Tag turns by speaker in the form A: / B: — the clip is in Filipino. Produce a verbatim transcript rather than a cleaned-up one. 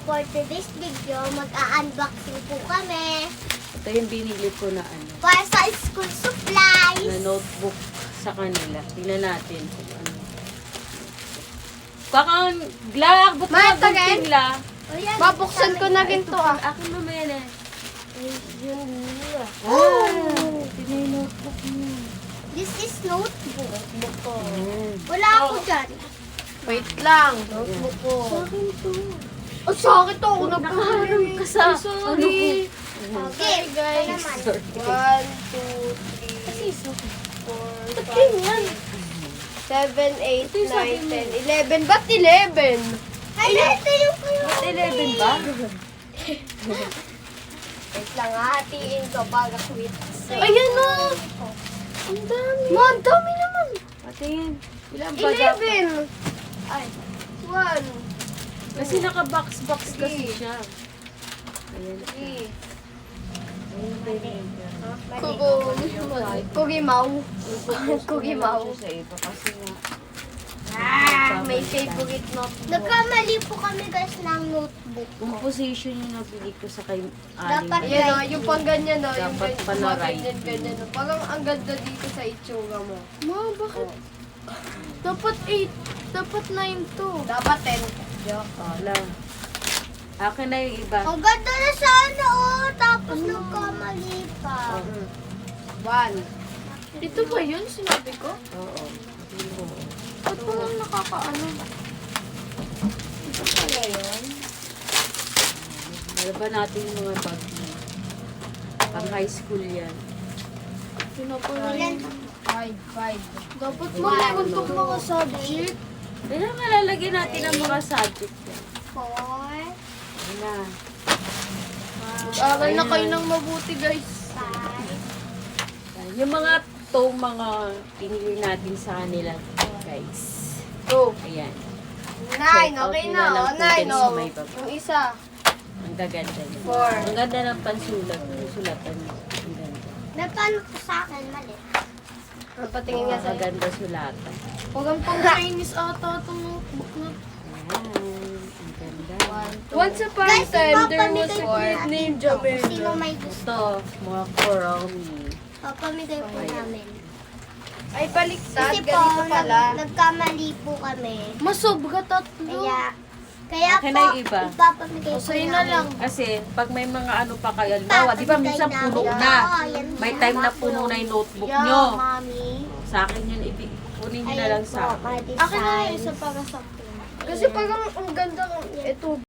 A: for today's video, mag-a-unboxing po kami
B: Ito yung binili ko na ano,
A: para sa school supplies.
B: na notebook sa kanila. Tingnan natin kung ano. Bakang, Glak, ba't
C: Ma,
B: ka
C: tagay?
B: gunting la?
A: O yan,
C: Babuksan ko na rin to ah.
B: Akin mamaya na.
A: Yun.
B: Oh! Ito na yung notebook mo.
A: This is notebook.
C: Notebook ko.
B: Ayan.
A: Wala ako dyan.
C: Wait lang.
A: Notebook ko.
B: Akin to.
C: Oh, sa akin to. Ako
B: Nakaharap
C: nagpaharap
B: ka sa-
C: Ay, sorry.
A: Okay,
C: guys.
A: ito naman.
B: Sorry.
C: One, two, three, four,
A: Ba't
C: five,
A: ganyan?
C: seven, eight,
B: Ito yung sabi
C: nine,
B: mo.
C: ten, eleven. Ba't eleven?
A: Ay, ito yung
B: Ba't eleven ba?
C: Wait lang, hatiin ko para quit.
A: Ayan na.
C: Ang dami. Ma, ang dami naman.
B: Patingin. Ilan ba dapat?
C: eleven. Ay, one,
B: Kasi naka-box-box kasi
C: Three.
B: siya. Ayan.
C: three.
B: Ayan pa yun.
C: Kugo. Kugimaw. Kugimaw.
B: Sa iba kasi nga.
C: Ah, may favorite notebook.
A: Nagkamali po kami guys ng notebook ko.
B: Composition yung nabili ko sa kay
A: Dapat
B: Aling.
C: Yan o, yung pang ganyan o, yung
B: Dapat
C: ganyan,
B: pala
C: mga
B: right.
C: ganyan, ganyan o. Parang ang ganda dito sa itsura mo.
A: Ma, bakit?
C: Oh.
A: Dapat eight. Dapat nine to.
C: Dapat ten. Joke.
B: Oh, lang. Akin na yung iba.
A: Ang ganda na sana oh. Tapos nagkamali pa.
B: Oh.
C: One.
A: Ito ba yun sinabi ko?
B: Oo. Sabi mo.
A: Ba't parang nakakaano?
C: Ito pala yun.
B: Malaban natin yung mga bag mo. Pang high school yan.
A: Ilan?
C: Five, five.
A: Dapat
B: mo meron
A: tong mga subject.
B: Kaya nga lalagyan natin ang mga subject yan.
A: Four,
B: Ayan na.
C: Aral na
B: Ayan.
C: kayo ng mabuti guys.
A: five,
B: Yung mga to mga pinili natin sa kanila, guys.
C: Two.
B: Ayan.
C: Nine,
B: Check out
C: okay
B: nyo
C: na.
B: na lang
C: O,
B: po
C: nine
B: dun
C: o.
B: sa may baba.
C: Yung isa.
B: Ang gaganda niya.
C: Four.
B: Ang ganda ng pansulat. Yung sulatan niya. Ang ganda.
A: napano ko sa akin mali.
C: Patingin nga
B: Ang
C: sa'yo.
B: ganda sulatan.
A: Huwag ang pang Chinese ata itong notebook na.
B: Ayan. Ang ganda.
C: Once upon a
A: Guys,
C: time, there
A: ipapamigay
C: was a
A: ko
C: bird
A: natin
C: named
A: to. Sino
C: Jamel.
A: may gusto?
B: Ito, mga korami.
A: Papamigay po
B: Ayan.
A: namin.
C: Ay, baliktad.
A: Kasi po,
C: Ganito pala.
A: nag, nagkamali po kami.
C: Masobra tatlo.
A: Kaya, kaya
B: Akin
A: po,
B: na yung iba.
A: ipapamigay po
C: sa'yo na
A: namin.
C: lang.
B: Kasi, pag may mga ano pa kayo, halimbawa, di ba minsan
A: Papamigay
B: puno
A: namin.
B: na.
A: Oo, yan
B: May
A: yan.
B: time na puno na yung notebook
A: Yeah,
B: nyo.
A: Mami.
B: Sa akin yun, ibi, kunin nyo na lang sa akin.
A: Akin na yung isa para sa akin.
C: Kasi parang ang ganda. Ito,